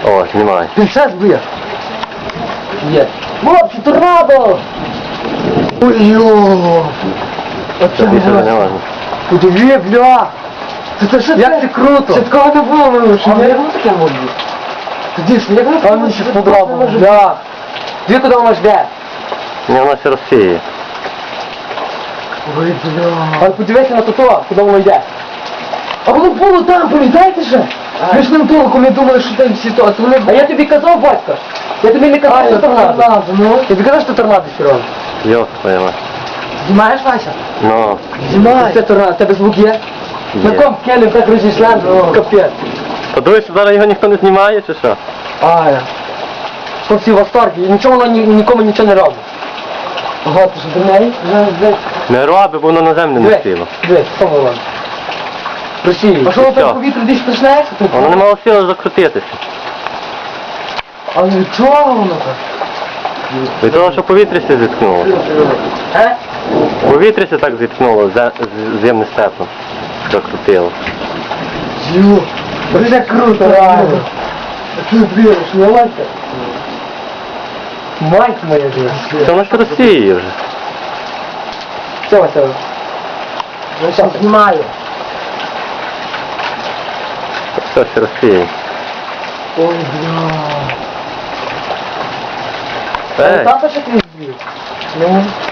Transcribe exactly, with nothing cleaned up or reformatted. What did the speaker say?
О, знімай. Ти ще збив? Є. Хлопці, торнадо! Ой-йо! Це більше вже не можна. Подиви, бля! Це це що? Як це круто! Це такого не було, що не було таке може бути? Тоді ж, як воно мені ще сподобалося, бля! Дві куди воно жде? Ні, воно все розсіє. Ой, бля! Але подивися на то, куди воно йде. А воно було там, пам'ятаєте же? Ми ж ним толком не думали, що там всі то, а то вони... А я тобі казав, батько! Я тобі не казав, що торнадо. Ну? Я тобі казав, що торнадо, Сережа? Йоп, твоя мать. Знімаєш, Вася? Ну, Знімай! Це торнадо, тебе звук є? На є. ком келем так розійшла, капець. Подивись, що зараз його ніхто не знімає, чи що? Ай, що всі в восторгі, і нічого воно ні, нікому нічого не робить. Ага, ти що до неї? Не роби, бо воно на землю не сіло. Дивись, що воно робить? Росії. А що воно там повітря десь почне? Воно не мало сили закрутитися. А від чого воно так? Від того, що повітря зіткнуло. Е? Повітря так зіткнуло з з- земним степом. Закрутило. Ю, це круто, реально. Ти віриш, не лайка? Мать моя дивись. Це воно ж розсіє вже. Все, Вася. Ну що, знімаю. Все ще розсіє. Ой, бля. Ей, Тато ще ти збив? Ну.